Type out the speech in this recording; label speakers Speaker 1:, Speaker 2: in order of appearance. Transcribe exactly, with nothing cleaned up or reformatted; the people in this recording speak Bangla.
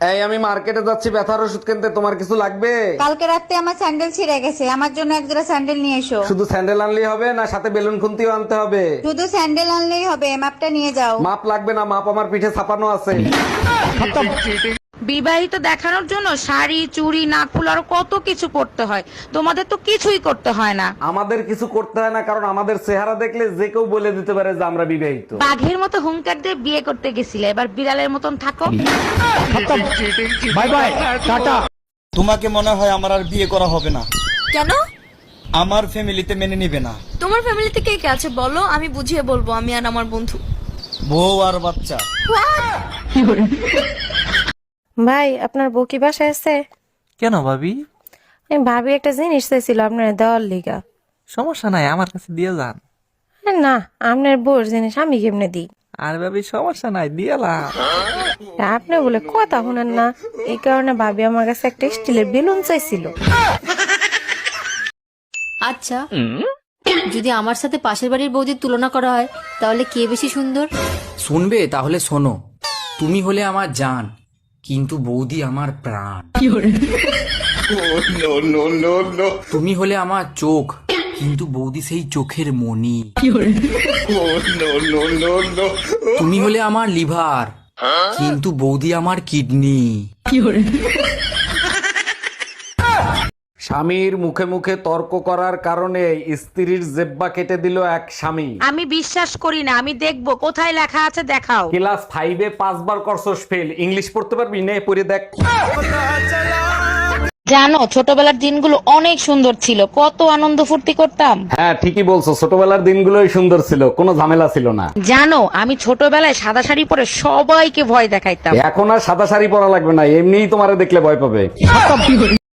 Speaker 1: এই আমি মার্কেটে যাচ্ছি ব্যথার ওষুধ কিনতে, তোমার কিছু লাগবে?
Speaker 2: কালকে রাতে আমার স্যান্ডেল ছিঁড়ে গেছে, আমার জন্য এক জোড়া স্যান্ডেল নিয়ে এসো।
Speaker 1: শুধু স্যান্ডেল আনলেই হবে না সাথে বেলুন খুন্তিও আনতে হবে?
Speaker 2: শুধু স্যান্ডেল আনলেই হবে, মাপটা নিয়ে যাও।
Speaker 1: মাপ লাগবে না, মাপ আমার পিঠে ছাপানো আছে।
Speaker 3: বিবাহিত দেখানোর জন্য শাড়ি চুড়ি নাকফুল আরো কত কিছু করতে হয়, তোমাদের তো কিছুই করতে হয় না।
Speaker 1: আমাদের কিছু করতে হয় না কারণ আমাদের চেহারা দেখলে যে কেউ বলে দিতে পারে যে আমরা বিবাহিত।
Speaker 3: বাঘের মতো হুঙ্কার দিয়ে বিয়ে করতে গেছিলে, এবার বিড়ালের মতন থাকো।
Speaker 4: Bye bye tata. তোমাকে মনে হয় আমার আর বিয়ে করা হবে না।
Speaker 5: কেন?
Speaker 4: আমার ফ্যামিলিতে মেনে নিবে না।
Speaker 5: তোমার ফ্যামিলিতে কে কে আছে বলো, আমি বুঝিয়ে বলবো, আমি আর আমার বন্ধু।
Speaker 4: বউ আর বাচ্চা।
Speaker 6: ভাই আপনার বউ কি বাসায় আছে?
Speaker 7: কেন ভাবি?
Speaker 6: আমি ভাবি একটা জিনিস চাইছিল আপনার দেওয়ার লিগা।
Speaker 7: সমস্যা নাই, আমার কাছে দিয়ে যান।
Speaker 6: আরে না, আপনার বউর জিনিস আমি কেমনে দিই?
Speaker 7: আর ভাবি সমস্যা নাই, দিয়েলাম।
Speaker 6: আপনি বলে কথা শুনেন না, এই কারণে ভাবি আমার কাছে একটা স্টিলের বেলুন চাইছিল।
Speaker 8: আচ্ছা, যদি আমার সাথে পাশের বাড়ির বৌদির তুলনা করা হয় তাহলে কে বেশি সুন্দর?
Speaker 9: শুনবে তাহলে শোনো, তুমি হলে আমার জান কিন্তু বৌদি আমার প্রাণ। তুমি হলে আমার চোখ কিন্তু বৌদি সেই চোখের মনি। তুমি হলে আমার লিভার কিন্তু বৌদি আমার কিডনি।
Speaker 1: স্বামীর মুখে মুখে তর্ক করার কারণে স্ত্রীর জেব্বা কেটে দিল এক স্বামী।
Speaker 3: আমি বিশ্বাস করি না, আমি দেখবো কোথায় লেখা আছে, দেখাও।
Speaker 1: ক্লাস ফাইভে পাঁচবার করছস ফেল, ইংলিশ পড়তে পারবি? নে পড়ে দেখ।
Speaker 3: জানো ছোটবেলার দিনগুলো অনেক সুন্দর ছিল, কত আনন্দ ফুর্তি করতাম।
Speaker 1: হ্যাঁ ঠিকই বলছো, ছোটবেলার দিনগুলোই সুন্দর ছিল, কোনো ঝামেলা ছিল না।
Speaker 3: জানো আমি ছোটবেলায় সাদা শাড়ি পরে সবাইকে ভয় দেখাইতাম।
Speaker 1: এখন আর সাদা শাড়ি পরা লাগবে না, এমনিই তোমারে দেখলে ভয় পাবে।